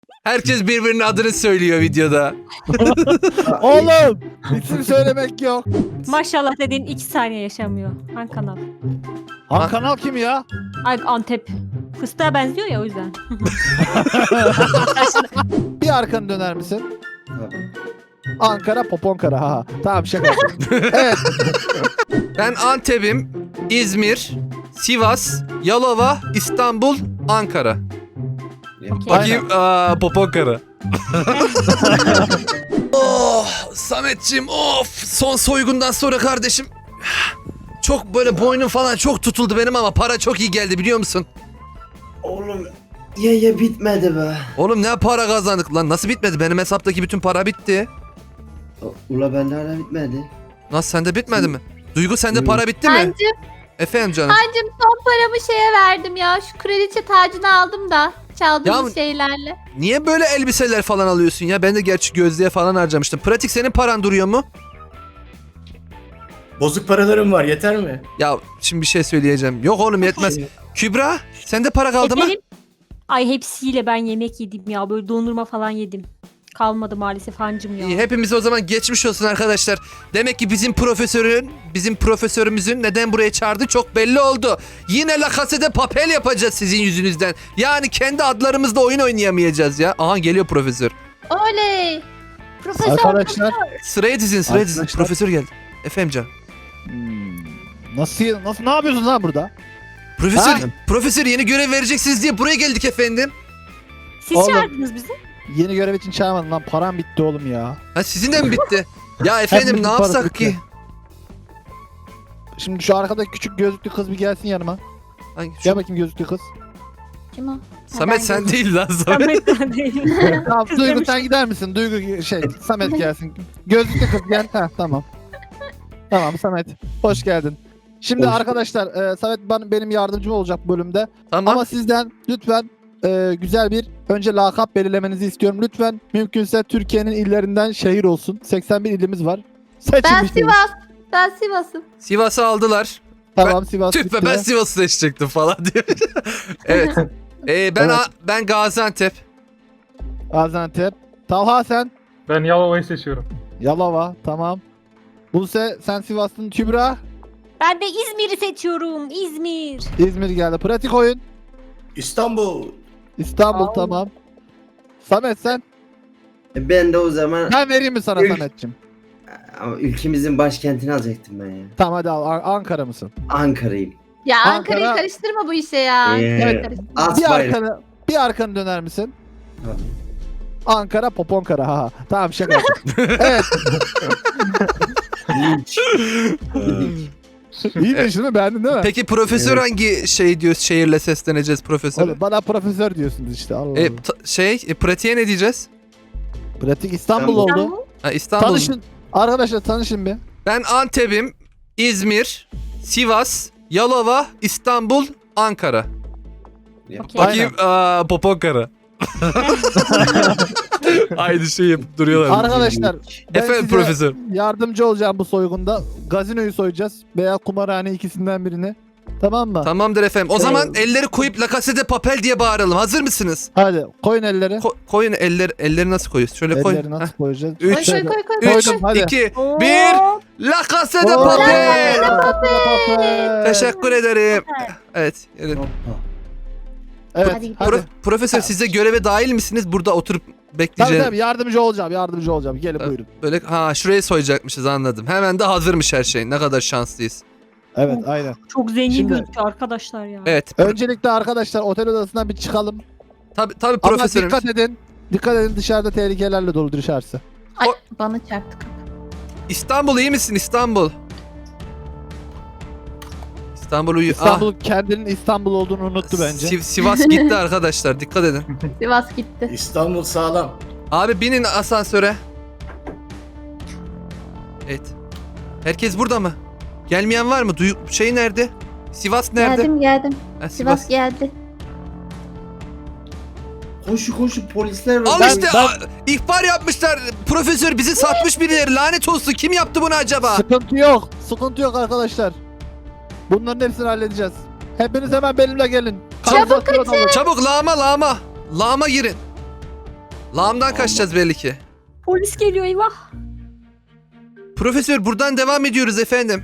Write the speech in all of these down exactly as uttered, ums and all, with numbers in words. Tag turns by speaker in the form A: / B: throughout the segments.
A: Herkes birbirinin adını söylüyor videoda.
B: Oğlum isim söylemek yok.
C: Maşallah dediğin iki saniye yaşamıyor. Hangi kanal?
B: Han kanal kim ya?
C: Ay Antep. Fıstığa benziyor ya o yüzden.
B: Bir arkanı döner misin? Ankara Poponkara ha. Tamam şaka. Evet.
A: Ben Antep'im, İzmir, Sivas, Yalova, İstanbul, Ankara.
C: Okey.
A: Bakayım. Aa, Poponkara. Oh, Sametciğim of. Son soygundan sonra kardeşim. Çok böyle boynum falan çok tutuldu benim ama para çok iyi geldi biliyor musun?
D: Oğlum ya ya bitmedi be.
A: Oğlum ne para kazandık lan, nasıl bitmedi? Benim hesaptaki bütün para bitti.
D: Ula bende hala bitmedi.
A: Nasıl, sende bitmedi mi? Duygu, sende
D: Hı.
A: para bitti mi?
E: Hancım,
A: Efendim canım.
E: hancım son paramı şeye verdim ya. Şu kraliçe tacını aldım da. Çaldığımız
A: Ya-
E: şeylerle.
A: Niye böyle elbiseler falan alıyorsun ya? Ben de gerçi gözlüğe falan harcamıştım. Pratik, senin paran duruyor mu?
F: Bozuk paralarım var, yeter mi?
A: Ya şimdi bir şey söyleyeceğim. Yok oğlum, yetmez. Kübra, sende para kaldı mı?
C: Efendim? Ay hepsiyle ben yemek yedim ya. Böyle dondurma falan yedim. Kalmadı maalesef hancım ya.
A: İyi, hepimiz o zaman geçmiş olsun arkadaşlar. Demek ki bizim profesörün, bizim profesörümüzün neden buraya çağırdı çok belli oldu. Yine La Casa de Papel yapacağız sizin yüzünüzden. Yani kendi adlarımızla oyun oynayamayacağız ya. Aha geliyor profesör.
E: Oley. Profesör.
B: Arkadaşlar.
A: Sıraya dizin, sıraya dizin.
B: Arkadaşlar.
A: Profesör geldi. Efendim can.
B: Hmm, Nasıl nasıl ne yapıyorsun lan burada?
A: Profesör,
B: Ha?
A: profesör yeni görev vereceksiniz diye buraya geldik efendim.
C: Siz
B: Oğlum.
C: çağırdınız bizi.
B: Yeni görev için çağırmadın lan, param bitti oğlum ya.
A: Ha sizin de mi bitti? Ya efendim
B: Hepimizin
A: ne
B: parası
A: yapsak
B: bitti.
A: ki?
B: Şimdi şu arkadaki küçük gözlüklü kız bir gelsin yanıma.
A: Hangi- şu-
B: Gel bakayım gözlüklü kız.
E: Kim o?
A: Samet
E: ben
A: sen
E: de-
A: değil lan Samet.
C: Samet'ten değil.
B: Tamam
C: Kız
B: Duygu
C: demiş.
B: sen gider misin? Duygu şey Samet gelsin. Gözlüklü kız gel. Ha tamam. Tamam Samet. Hoş geldin. Şimdi
D: Hoş-
B: arkadaşlar e, Samet ben, benim yardımcım olacak bu bölümde.
A: Tamam.
B: Ama sizden lütfen e, güzel bir önce lakap belirlemenizi istiyorum. Lütfen mümkünse Türkiye'nin illerinden şehir olsun. seksen bir ilimiz var. Seçin
E: Ben
B: bir şehir.
E: Sivas. Ben Sivas'ım.
A: Sivas'ı aldılar.
B: Tamam Sivas
A: Tüh be,
B: bitti.
A: ben Sivas'ı seçecektim falan diyor. Evet. Ee, ben
B: Evet.
A: A- ben Gaziantep.
B: Gaziantep. Talha sen.
G: Ben Yalova'yı seçiyorum.
B: Yalova. Tamam. Buse sen Sivas'ın. Kübra.
C: Ben de İzmir'i seçiyorum. İzmir.
B: İzmir geldi. Pratik oyun.
F: İstanbul.
B: İstanbul
C: Aa.
B: tamam. Samet sen.
D: E Ben de o zaman
B: Ben vereyim mi sana
D: Ül-
B: Samet'cim?
D: ama ülkemizin başkentini alacaktım ben ya.
B: Tamam hadi al. An- Ankara mısın?
D: Ankara'yım.
E: Ya
B: Ankara-
E: Ankara'yı karıştırma bu işe ya.
D: Ee,
E: Evet, karıştırma.
D: At
B: Bir
D: bayrağı.
B: arkanı, bir arkanı döner misin?
D: Tabii.
B: Ankara Poponkara ha. Tamam şaka yaptım. Evet.
D: Linç. Linç.
B: İyi de şimdi beğendin değil mi?
A: Peki profesör
D: Evet.
A: hangi şey diyor, şehirle sesleneceğiz profesör?
B: Oğlum, bana profesör diyorsunuz işte. Allah
A: E,
B: Allah.
A: ta- şey e, pratiğe ne diyeceğiz?
B: Pratik İstanbul
D: İstanbul.
B: oldu.
A: Ha, İstanbul.
B: Tanışın. Arkadaşlar tanışın bir.
A: Ben Antep'im, İzmir, Sivas, Yalova, İstanbul, Ankara.
C: Okey.
A: Bakayım aa, Poponkara. Aynı şeyi yapıp duruyorlar.
B: Arkadaşlar ben
A: Efendim
B: size
A: profesör.
B: yardımcı olacağım bu soygunda. Gazinoyu soyacağız veya kumarhane ikisinden birini. Tamam mı?
A: Tamamdır efendim. O zaman elleri koyup La Casa de Papel diye bağıralım. Hazır mısınız?
B: Hadi koyun elleri.
A: Ko- koyun eller, elleri nasıl koyuyoruz? Şöyle koy.
B: Elleri nasıl koyacağız?
A: Üç.
E: Koy
B: Şöyle.
E: koy koy koy.
A: üç,
B: Koydum, hadi.
A: iki,
C: Oo.
A: bir. La Casa de
B: Oo,
A: Papel.
B: Papel.
A: Teşekkür ederim. Evet. evet.
D: Hoppa.
B: Evet.
E: Hadi.
B: Hadi.
A: Pro- profesör siz de göreve dahil misiniz? Burada oturup
B: Tabii
A: bekleyeceğiz.
B: tabii yardımcı olacağım yardımcı olacağım. Gelin
A: Tabii.
B: buyurun.
A: Böyle ha şuraya soyacakmışız, anladım. Hemen de hazırmış her şey. Ne kadar şanslıyız.
B: Evet aynen.
C: Çok zengin
B: Şimdi-
C: gözüküyor arkadaşlar ya.
A: Evet. Pro-
B: Öncelikle arkadaşlar otel odasından bir çıkalım.
A: tabii tabii
B: Ama
A: profesörüm.
B: dikkat edin. Dikkat edin dışarıda tehlikelerle dolu dışarısı.
E: Ay, bana çarptı.
A: İstanbul iyi misin İstanbul? İstanbul uyu.
B: İstanbul kendinin İstanbul olduğunu unuttu
A: Ah,
B: bence.
A: Siv- Sivas gitti arkadaşlar. Dikkat edin.
E: Sivas gitti.
F: İstanbul sağlam.
A: Abi binin asansöre. Evet. Herkes burada mı? Gelmeyen var mı? Duyu şey nerede? Sivas nerede?
E: Geldim geldim.
A: Ha,
E: Sivas geldi.
D: Koşu koşu polisler var.
A: Al
B: Ben-
A: işte
B: ben-
A: a- ihbar yapmışlar. Profesör bizi satmış birileri. Lanet olsun. Kim yaptı bunu acaba?
B: Sıkıntı yok. Sıkıntı yok arkadaşlar. Bunların hepsini halledeceğiz. Hepiniz hemen benimle gelin.
E: Çabuk
B: Kanalizasyon olur.
A: Çabuk lağma lağma. Lağma girin. Lağımdan kaçacağız belli ki.
C: Polis geliyor eyvah.
A: Profesör buradan devam ediyoruz efendim.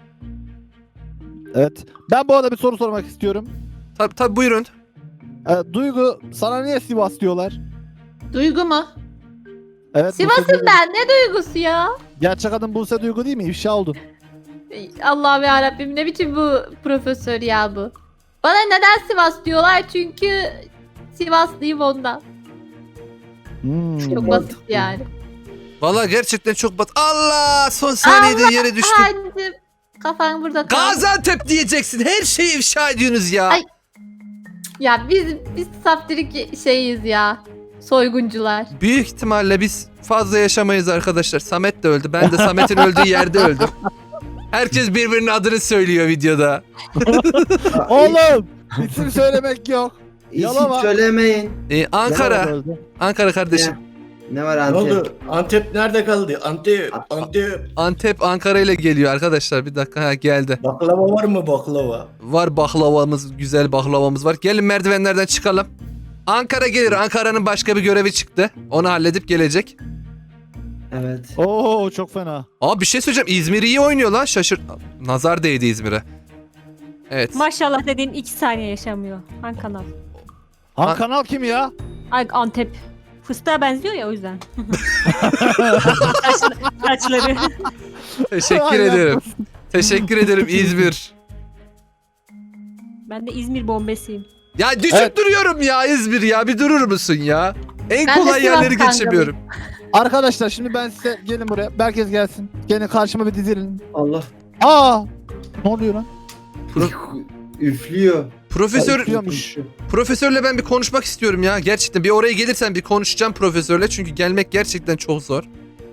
B: Evet. Ben bu arada bir soru sormak istiyorum.
A: Tabi tabi buyurun.
B: Ee, Duygu sana niye Sivas diyorlar?
E: Duygu mu?
B: Evet. Buse
E: Sivas'ım
B: Duygu.
E: ben. Ne duygusu ya?
B: Gerçek adın Buse Duygu değil mi? İfşa oldun.
E: Allah'ım yarabbim ne biçim bu profesör ya bu. Bana neden Sivas diyorlar? Çünkü Sivaslıyım ondan.
B: Hmm.
E: Çok basit yani.
A: Valla gerçekten çok bat. Allah son saniyede yere düştüm.
E: Hancım kafan burada kaldı.
A: Gaziantep diyeceksin. Her şeyi ifşa ediyorsunuz ya.
E: Ay. Ya biz biz saftirik şeyiz ya. Soyguncular.
A: Büyük ihtimalle biz fazla yaşamayız arkadaşlar. Samet de öldü. Ben de Samet'in öldüğü yerde öldüm. Herkes birbirinin adını söylüyor videoda.
B: Oğlum isim söylemek yok.
D: İsim
B: Yalama.
D: söylemeyin.
A: Ee, Ankara.
B: Ne oldu?
A: Ankara kardeşim.
D: Ne var
F: Ne
D: Antep?
F: oldu? Antep nerede kaldı? Antep, Antep.
A: Antep Ankara ile geliyor arkadaşlar. Bir dakika ha, geldi.
F: Baklava var mı baklava?
A: Var baklavamız, güzel baklavamız var. Gelin merdivenlerden çıkalım. Ankara gelir. Ankara'nın başka bir görevi çıktı. Onu halledip gelecek.
D: Evet.
B: Oo çok fena.
A: Aa bir şey söyleyeceğim. İzmir iyi oynuyor lan. Şaşır. Nazar değdi İzmir'e. Evet.
C: Maşallah dediğin iki saniye yaşamıyor. Han kanal.
B: Han
A: An-
B: kanal kim ya?
C: Ay Antep. Fıstığa benziyor ya o yüzden. Saçlı- Saçları.
A: Teşekkür
B: Ay,
A: ederim.
B: yapmasın.
A: Teşekkür ederim İzmir.
C: Ben de İzmir bombesiyim.
A: Ya düşüp
B: Evet.
A: duruyorum ya İzmir ya. Bir durur musun ya? En
E: Ben de
A: kolay
E: Sivas
A: yerleri
E: kankalıyım.
A: geçemiyorum.
B: Arkadaşlar şimdi ben size gelin buraya. Herkes gelsin. Gelin karşıma bir dizilin.
D: Allah.
B: Aa! Ne oluyor lan?
D: Üflüyor.
A: Profesör
B: Üflüyormuş.
A: profesörle ben bir konuşmak istiyorum ya. Gerçekten bir oraya gelirsen bir konuşacağım profesörle. Çünkü gelmek gerçekten çok zor.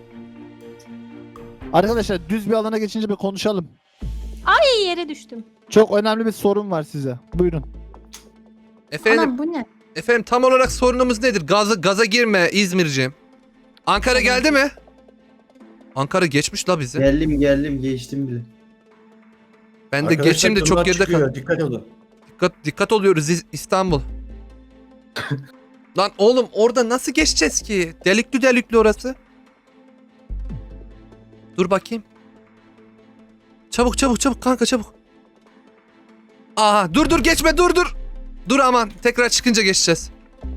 B: Arkadaşlar düz bir alana geçince bir konuşalım.
C: İyi yere düştüm.
B: Çok önemli bir sorun var size. Buyurun.
A: Efendim
E: Anam bu ne?
A: efendim tam olarak sorunumuz nedir? Gaza gaza girme İzmirciğim. Ankara geldi mi? Ankara geçmiş la bizi.
D: Geldim geldim geçtim bile.
A: Ben de
F: Arkadaşlar,
A: geçeyim de çok
F: durumlar
A: geride
F: çıkıyor,
A: kaldım.
F: Dikkat olun.
A: Dikkat, dikkat oluyoruz İz- İstanbul. Lan oğlum orada nasıl geçeceğiz ki? Delikli delikli orası. Dur bakayım. Çabuk çabuk çabuk kanka çabuk. Aha dur dur geçme dur dur. Dur aman tekrar çıkınca geçeceğiz.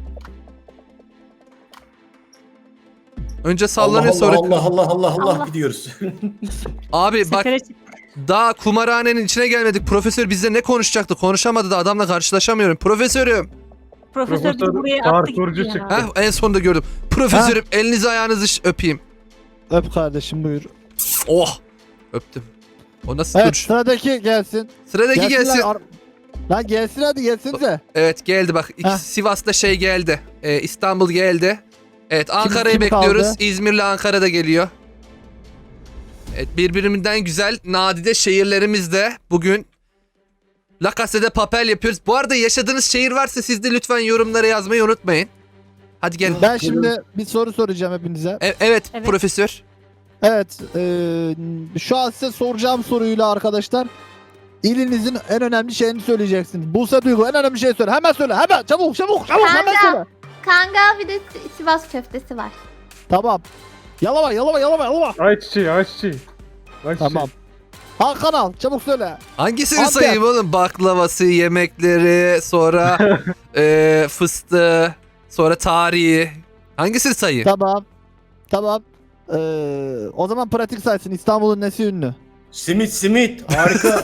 A: Önce sallanıyor
F: Allah,
A: sonra.
F: Allah Allah Allah Allah,
C: Allah.
F: gidiyoruz.
A: Abi bak
C: Sefere çık.
A: daha kumarhanenin içine gelmedik. Profesör bizle ne konuşacaktı? Konuşamadı da adamla karşılaşamıyorum. Profesörüm.
C: Profesör bizi
G: Profesör
C: buraya attı
G: parkurcu
C: gitti ya.
G: çıktı.
A: Heh, en sonunda gördüm. Profesörüm elinizi ayağınızı ş- öpeyim.
B: Öp kardeşim buyur.
A: Oh. Öptüm. O nasıl
B: Evet
A: duruş?
B: sıradaki gelsin.
A: Sıradaki
B: Gelsin
A: gelsin.
B: Lan, ar- lan gelsin hadi gelsinize.
A: Evet geldi bak. İki,
B: Heh.
A: Sivas'ta şey geldi. Ee, İstanbul geldi. Evet Ankara'yı
B: kim
A: bekliyoruz.
B: kaldı?
A: İzmir'le Ankara da geliyor. Evet birbirinden güzel nadide şehirlerimiz de bugün La Casa de Papel yapıyoruz. Bu arada yaşadığınız şehir varsa siz de lütfen yorumlara yazmayı unutmayın. Hadi gelin.
B: Ben şimdi bir soru soracağım hepinize.
A: E- evet,
C: Evet.
A: profesör.
B: Evet eee, şu an size soracağım soruyla arkadaşlar ilinizin en önemli şeyini söyleyeceksiniz. Buse Duygu en önemli şeyi söyle. Hemen söyle hemen çabuk çabuk çabuk hemen
E: Kanka.
B: söyle.
E: Kangal bir de Si- Sivas köftesi var.
B: Tamam. Yalama yalama yalama yalama.
G: Ayçiçeği, ayçiçeği. Ayçiçeği.
B: Tamam. Han kanal çabuk söyle.
A: Hangisini
B: Antep.
A: sayayım oğlum? Baklavası, yemekleri, sonra e, fıstığı, sonra tarihi. Hangisini sayayım?
B: Tamam. Tamam. Eee, o zaman pratik saysın. İstanbul'un nesi ünlü?
F: Simit simit harika.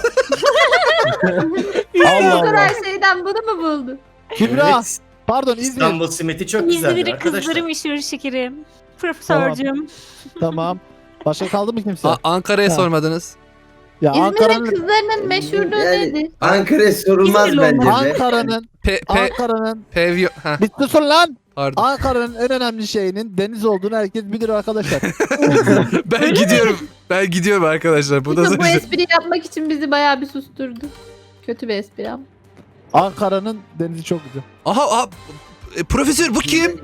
B: Allah
E: Bu kadar
B: Allah.
E: şeyden bunu mu buldun?
B: Kübra.
F: Evet,
B: Pardon İzmir.
F: İstanbul simiti çok güzeldir
C: İzmir'in
F: arkadaşlar.
C: kızları meşhur şekerim. Profesörcüm.
B: Tamam. Başka kaldı mı kimse?
A: A- Ankara'ya
B: Ha.
A: sormadınız.
B: ya
E: İzmir'in
B: Ankara'nın
E: kızlarının meşhurluğu
D: Yani-
E: nedir?
D: Ankara'ya sorulmaz
C: İzmirli
D: bence
C: olmaz.
D: de.
B: Ankara'nın
A: Pe, pe,
B: Ankara'nın
A: pevyo... Heh,
B: bir susun lan.
A: pardon.
B: Ankara'nın en önemli şeyinin deniz olduğunu herkes bilir arkadaşlar.
A: Ben gidiyorum. Ben gidiyorum arkadaşlar. Bu da
E: İşte bu espriyi yapmak için bizi bayağı bir susturdu. Kötü bir espri ama.
B: Ankara'nın denizi çok güzel.
A: Aha, aha, e, profesör bu kim?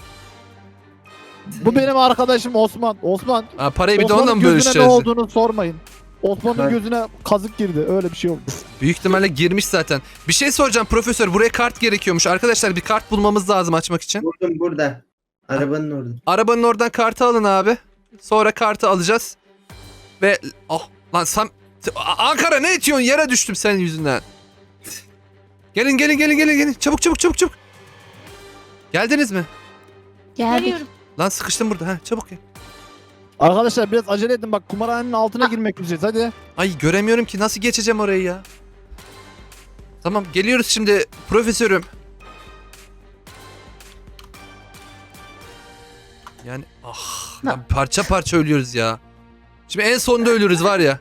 B: Bu benim arkadaşım Osman. Osman.
A: Ha, parayı bir de
B: Osman'ın
A: onunla mı
B: gözüne ne
A: bölüşeceğiz?
B: olduğunu sormayın. Osman'ın
D: Ha.
B: gözüne kazık girdi. Öyle bir şey oldu.
A: Büyük ihtimalle girmiş zaten. Bir şey soracağım profesör. Buraya kart gerekiyormuş. Arkadaşlar bir kart bulmamız lazım açmak için.
D: Buldum burada. Arabanın orada.
A: Arabanın oradan kartı alın abi. Sonra kartı alacağız. Ve oh lan Sam A- Ankara ne itiyorsun? Yere düştüm senin yüzünden. Gelin gelin gelin gelin gelin. Çabuk çabuk çabuk çabuk. Geldiniz mi?
E: Geldik.
C: Geliyorum.
A: Lan sıkıştım burada. Ha çabuk gel.
B: Arkadaşlar biraz acele edin bak kumarhanenin altına girmek üzereyiz hadi.
A: Ay göremiyorum ki nasıl geçeceğim orayı ya. Tamam geliyoruz şimdi profesörüm. Yani ah lan parça parça ölüyoruz ya. Şimdi en sonunda ölürüz var ya.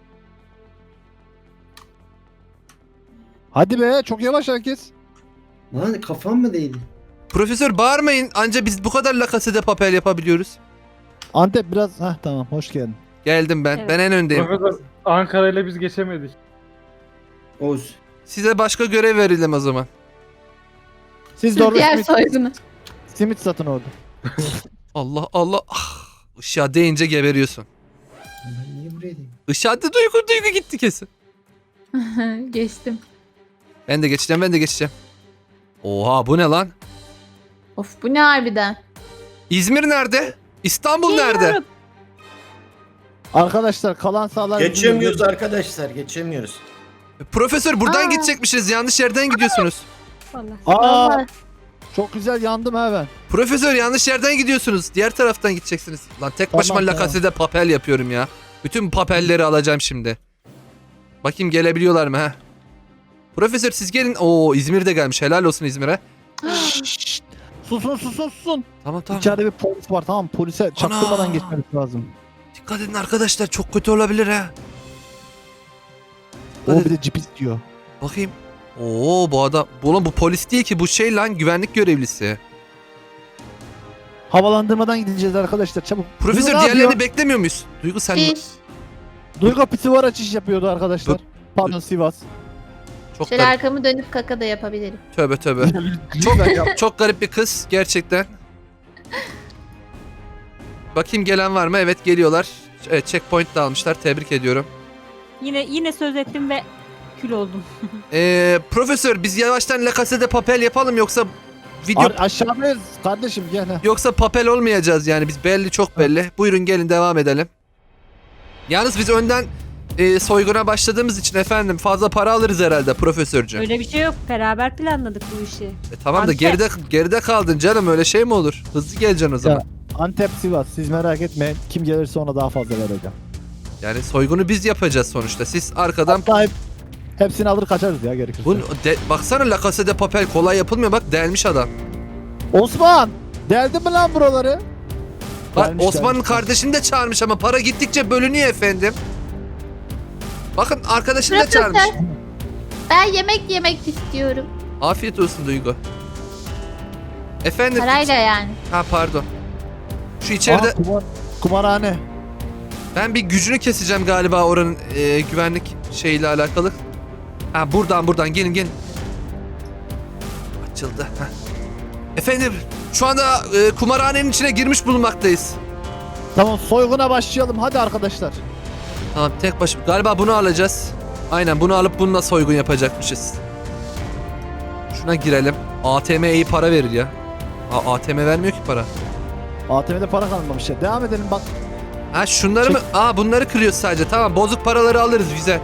B: Hadi be çok yavaş herkes.
D: Lan kafam mı değdi?
A: Profesör bağırmayın anca biz bu kadar La Casa de Papel yapabiliyoruz.
B: Antep biraz heh tamam hoş geldin.
A: Geldim ben.
C: Evet.
A: Ben en öndeyim.
G: Profesör Ankara ile biz geçemedik.
D: Oğuz.
A: Size başka görev verelim o zaman.
B: Siz de orada
E: Diğer
B: simit,
E: soygunu.
B: simit satın orada.
A: Allah Allah. Ah, ışığa değince geberiyorsun.
D: Ben niye buraya değdim?
A: Işığa da duygu duygu gitti kesin.
E: Geçtim.
A: Ben de geçeceğim ben de geçeceğim. Oha bu ne lan?
E: Of bu ne harbiden?
A: İzmir nerede? İstanbul nerede?
C: Geliyorum.
B: Arkadaşlar kalan sağlar
F: Geçemiyoruz arkadaşlar, geçemiyoruz.
A: Profesör buradan
E: Aa.
A: gidecekmişiz. Yanlış yerden gidiyorsunuz.
C: Vallahi.
B: Aa
E: Vallahi.
B: çok güzel yandım ha ben.
A: Profesör yanlış yerden gidiyorsunuz. Diğer taraftan gideceksiniz. Lan tek başıma
B: Tamam,
A: La
B: tamam.
A: Casa de Papel yapıyorum ya. Bütün papelleri alacağım şimdi. Bakayım gelebiliyorlar mı ha? Profesör siz gelin. Oo İzmir de gelmiş. Helal olsun İzmir'e.
B: Şşşt. Susun susun susun.
A: Tamam tamam.
B: İçeride bir polis var tamam polise çaktırmadan
A: Ana.
B: geçmemiz lazım.
A: Dikkat edin arkadaşlar. Çok kötü olabilir ha.
B: O
A: Hadi.
B: bir de cip istiyor.
A: Bakayım. Oo bu adam. Bu, oğlum bu polis değil ki. Bu şey lan güvenlik görevlisi.
B: Havalandırmadan gideceğiz arkadaşlar çabuk.
A: Profesör
B: Duygu ne
A: diğerlerini
B: yapıyor?
A: beklemiyor muyuz? Duygu sen
E: Şiş.
B: Duygu pisi açış yapıyordu arkadaşlar. Pardon Sivas.
A: çok
E: Şöyle
A: garip.
E: arkamı dönüp kaka da yapabilirim.
A: Tövbe tövbe. çok çok garip bir kız gerçekten. Bakayım gelen var mı? Evet geliyorlar. Evet, checkpoint de almışlar. Tebrik ediyorum.
C: Yine yine söz ettim ve kül oldum.
A: Ee, profesör biz yavaştan La Casa de Papel yapalım yoksa video
B: Ar- aşağıdayız kardeşim gel. ha.
A: yoksa papel olmayacağız yani biz belli çok belli. Buyurun gelin devam edelim. Yalnız biz önden e, soyguna başladığımız için efendim fazla para alırız herhalde profesörcüğüm.
C: Öyle bir şey yok. Beraber planladık bu işi.
A: E, tamam da
C: Antep.
A: geride geride kaldın canım öyle şey mi olur? Hızlı geleceksin o zaman.
B: Ya. Antep Sivas siz merak etmeyin. Kim gelirse ona daha fazla vereceğim.
A: Yani soygunu biz yapacağız sonuçta. Siz arkadan
B: Hatta hep, hepsini alır kaçarız ya gerekirse.
A: bu de, baksana La Casa de Papel kolay yapılmıyor bak delmiş adam.
B: Osman! Deldin mi lan buraları?
A: Bak
B: Delmiş,
A: Osman'ın
B: delmiş.
A: kardeşini de çağırmış ama para gittikçe bölünüyor efendim. Bakın arkadaşını da
E: Profesör.
A: çağırmış.
E: Ben yemek yemek istiyorum.
A: Afiyet olsun Duygu. Efendim.
E: Parayla yani.
A: Ha pardon. Şu içeride
B: Aa, kumar, kumarhane.
A: ben bir gücünü keseceğim galiba oranın e, güvenlik şeyiyle alakalı. Ha buradan buradan gelin gelin. Açıldı. Heh. Efendim şu anda e, kumarhanenin içine girmiş bulunmaktayız.
B: Tamam soyguna başlayalım hadi arkadaşlar.
A: Tamam tek başım. Galiba bunu alacağız. Aynen bunu alıp bununla soygun yapacakmışız. Şuna girelim. A T M iyi para verir ya. A- ATM vermiyor ki para.
B: A T M'de para kalmamış ya. Devam edelim bak.
A: Ha şunları
B: Çek.
A: mı? Aa bunları kırıyoruz sadece. Tamam bozuk paraları alırız güzel.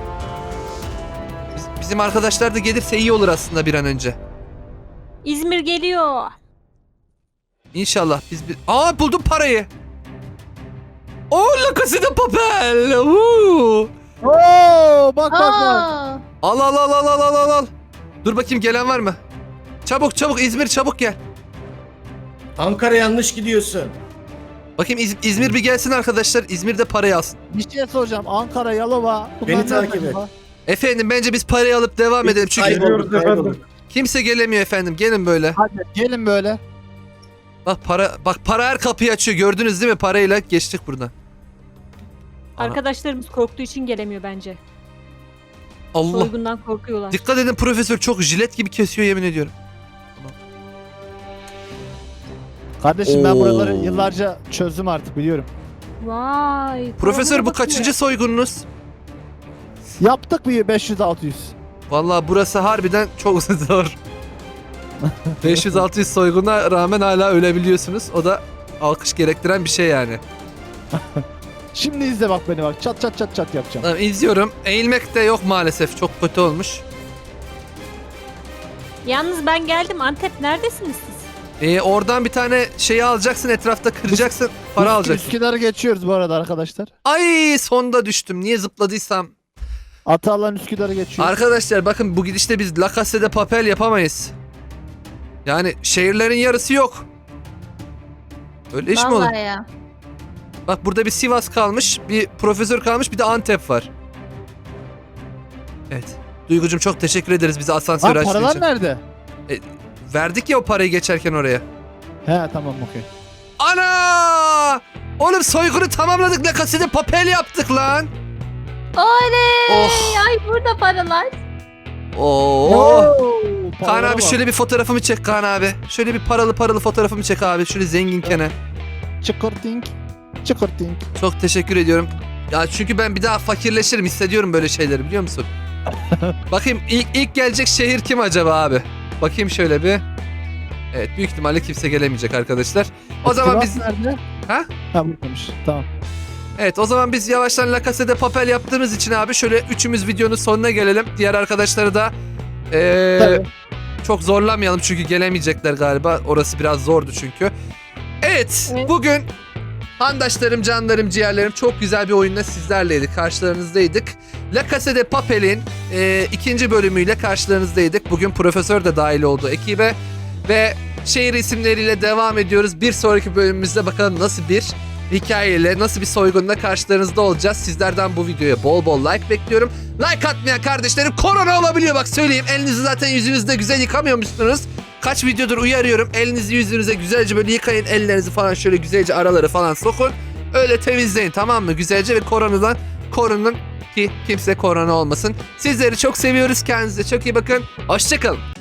A: Biz- bizim arkadaşlar da gelirse iyi olur aslında bir an önce.
C: İzmir geliyor.
A: İnşallah biz bir... Aa buldum parayı. Oo La Casa de Papel. Oo.
B: Oo bak bak bak.
E: Aa,
A: Al al al al al al al al. Dur bakayım gelen var mı? Çabuk çabuk İzmir çabuk gel.
F: Ankara yanlış gidiyorsun.
A: Bakayım İz- İzmir bir gelsin arkadaşlar. İzmir'de parayı alsın.
B: Bir şey soracağım. Ankara, Yalova. bunlar
F: Beni
B: nerede
F: takip et.
B: acaba?
A: Efendim bence biz parayı alıp devam edelim. Çünkü
F: Kaybolduk,
G: Geliyoruz
F: kaybolduk.
G: efendim.
A: kimse gelemiyor efendim. Gelin böyle.
B: Hadi gelin böyle.
A: Bak para bak para her kapıyı açıyor. Gördünüz değil mi? Parayla geçtik buradan. Ana.
C: Arkadaşlarımız korktuğu için gelemiyor bence.
A: Allah.
C: Soygundan korkuyorlar.
A: Dikkat edin profesör çok jilet gibi kesiyor yemin ediyorum.
B: Kardeşim ben
A: Oo.
B: buraları yıllarca çözdüm artık biliyorum.
C: Vay.
A: Profesör
C: paralara
A: bu
C: bakıyor.
A: kaçıncı soygununuz?
B: Yaptık bir beş yüz altı yüz.
A: Vallahi burası harbiden çok zor. beş yüz altı yüz soyguna rağmen hala ölebiliyorsunuz. O da alkış gerektiren bir şey yani.
B: Şimdi izle bak beni bak. Çat çat çat çat yapacağım.
A: Tamam, izliyorum. Eğilmek de yok maalesef. Çok kötü olmuş.
C: Yalnız ben geldim. Antep neredesiniz siz?
A: Ee, oradan bir tane şeyi alacaksın, etrafta kıracaksın, para
B: Üsk-
A: alacaksın.
B: Üsküdar'ı geçiyoruz bu arada arkadaşlar.
A: Ay sonda düştüm. Niye zıpladıysam.
B: Atalan Üsküdar'ı geçiyoruz.
A: Arkadaşlar bakın bu gidişte biz La Casa de Papel yapamayız. Yani şehirlerin yarısı yok. Öyle iş mi olur?
E: Vallahi ya.
A: Bak burada bir Sivas kalmış, bir profesör kalmış, bir de Antep var. Evet. Duygucum çok teşekkür ederiz bize asansör
B: Ha,
A: açtığın
B: paralar
A: için.
B: nerede?
A: Verdik ya o parayı geçerken oraya.
B: He tamam okey.
A: Ana! Oğlum soygunu tamamladık. La Casa de Papel yaptık lan.
E: Oley!
A: Oh.
E: Ay burada paralar.
A: Oo. Kaan
B: paralara
A: abi
B: bak.
A: şöyle bir fotoğrafımı çek Kaan abi. Şöyle bir paralı paralı fotoğrafımı çek abi. Şöyle zenginkene.
B: Çıkırtink. Çıkırtink.
A: Çok teşekkür ediyorum. Ya çünkü ben bir daha fakirleşirim, hissediyorum böyle şeyleri, biliyor musun? Bakayım ilk, ilk gelecek şehir kim acaba abi? Bakayım şöyle bir. Evet, büyük ihtimalle kimse gelemeyecek arkadaşlar. O zaman
B: Sivas
A: biz
B: nerede?
A: Ha?
B: Ha buradaymış. Tamam.
A: Evet, o zaman biz yavaştan La Casa de Papel yaptığımız için abi şöyle üçümüz videonun sonuna gelelim. Diğer arkadaşları da ee,
B: Tabii.
A: çok zorlamayalım çünkü gelemeyecekler galiba. Orası biraz zordu çünkü. Evet,
C: Evet.
A: bugün handaşlarım, canlarım, ciğerlerim çok güzel bir oyunla sizlerleydik. Karşılarınızdaydık. La Casa de Papel'in e, ikinci bölümüyle karşılarınızdaydık. Bugün profesör de dahil oldu ekibe. Ve şehir isimleriyle devam ediyoruz. Bir sonraki bölümümüzde bakalım nasıl bir hikayeyle, nasıl bir soygunla karşılarınızda olacağız. Sizlerden bu videoya bol bol like bekliyorum. Like atmayan kardeşlerim korona olabiliyor, bak söyleyeyim. Elinizi zaten yüzünüzde güzel yıkamıyormuşsunuz. Kaç videodur uyarıyorum. Elinizi yüzünüze güzelce böyle yıkayın. Ellerinizi falan şöyle güzelce araları falan sokun. Öyle temizleyin, tamam mı? Güzelce ve koronadan korunun ki kimse korona olmasın. Sizleri çok seviyoruz. Kendinize çok iyi bakın. Hoşçakalın.